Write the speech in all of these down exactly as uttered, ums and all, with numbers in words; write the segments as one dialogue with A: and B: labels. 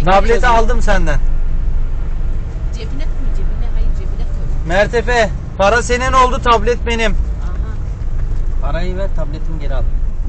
A: Tableti aldım senden.
B: Cebine koy, cebine. Hayır, cebine koy.
A: Mertefe, para senin oldu, tablet benim.
B: Aha.
C: Parayı ver, tabletimi geri al.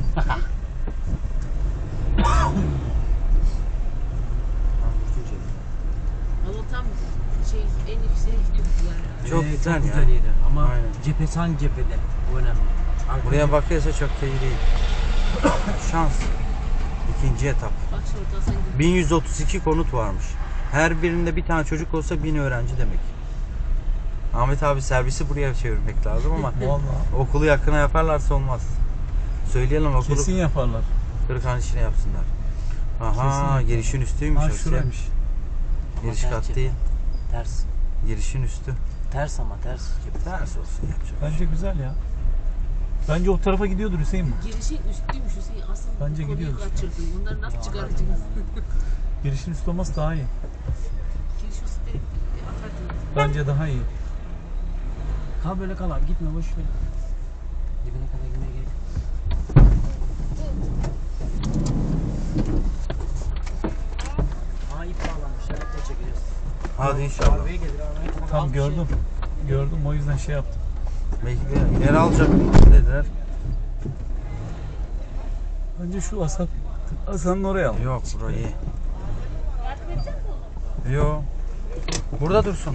B: Ama tam şey en yüksek yani.
A: Çok
C: Ee,
A: güzel
C: çok
A: ya.
C: güzel yeri. Ama
A: Aynen.
C: cephesi hangi cephede? O önemli. Arka
A: Buraya
C: cephe-
A: bakıyorsa çok da iyi değil. Şans. İkinci etap.
B: Bak şurada sen gibi.
A: bin yüz otuz iki konut varmış. Her birinde bir tane çocuk olsa bin öğrenci demek. Ahmet abi servisi buraya çevirmek lazım ama
D: Vallahi.
A: okulu yakına yaparlarsa olmaz. Söyleyelim okulu
D: Kesin yaparlar.
A: Kırıkhanı içine yapsınlar. Aha,
D: Kesin.
A: girişin üstüymüş.
D: Ha
A: orası.
D: şuraymış.
C: Ama
A: Giriş
C: ters
A: kat
C: cephe.
A: değil.
C: Ters.
A: Girişin üstü.
C: Ters ama ters cephe.
A: Ters olsun yapacak.
D: Bence güzel ya. Bence o tarafa gidiyordur Hüseyin bu.
B: Girişin üstüymüş Hüseyin. Asıl
D: Bence
B: bu konuyu
D: gidiyoruz.
B: kaçırdın. Bunları nasıl çıkaracağız?
D: Girişin üstü olması daha iyi.
B: Giriş üstü direkt atardın.
D: Bence daha iyi.
C: Kal böyle kal abi, gitme boş ver. Dibine kadar gitmeye gerek yok. Aa, ip bağlanmış, evet de çekeceğiz.
A: Hadi inşallah.
C: Arabaya gelir, arabaya kadar
D: Tam
C: al bir
D: gördüm.
C: şey.
D: Gördüm, o yüzden şey yaptım.
A: Belki de ileri alacak dediler.
D: Bence şu Hasan, Hasan'ın oraya al.
A: Yok burayı. Yok. Burada dursun.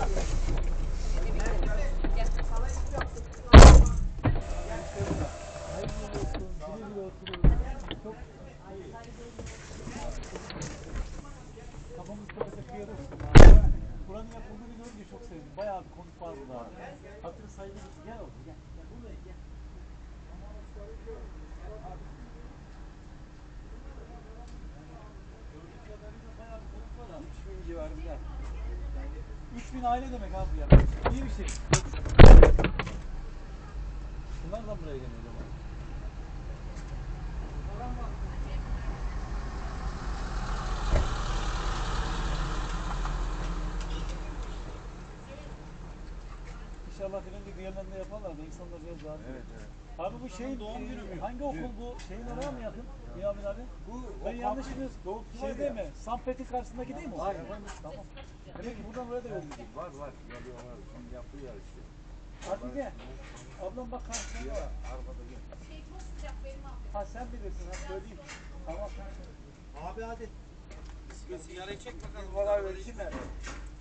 D: Buranın yapıldığını görünce çok sevdim. Bayağı bir konuk var burada. Hatırı sayılır. Gel oğlum gel. Gel buraya gel. Gördüğüm kadarıyla bayağı bir konuk var abi. üç bin civarında. üç bin aile demek abi ya. İyi bir şey. Bunlar da buraya geliyor o zaman. İnşallah filan gibi diğerlerinde yaparlar da insanlar biraz daha. Evet evet. Abi bu şeyin doğum günü mü? Hangi okul bu? Şeyin oraya mı yakın? Niyamin abi. Bu ben yanlış biliyorsun. Doğu şey değil mi? Sanpet'in karşısındaki değil mi? Hayır. Tamam. Demek ki buradan oraya da yol gidiyor.
E: Var var. Yapıyorlar. Şimdi yapıyorlar işte.
D: Hatice. Ablam bak karşısında var.
E: Arabada gel.
D: Ha sen bilirsin ha söyleyeyim. Tamam.
E: Abi hadi.
A: Sigarayı çek bakalım.
E: Kolay versin.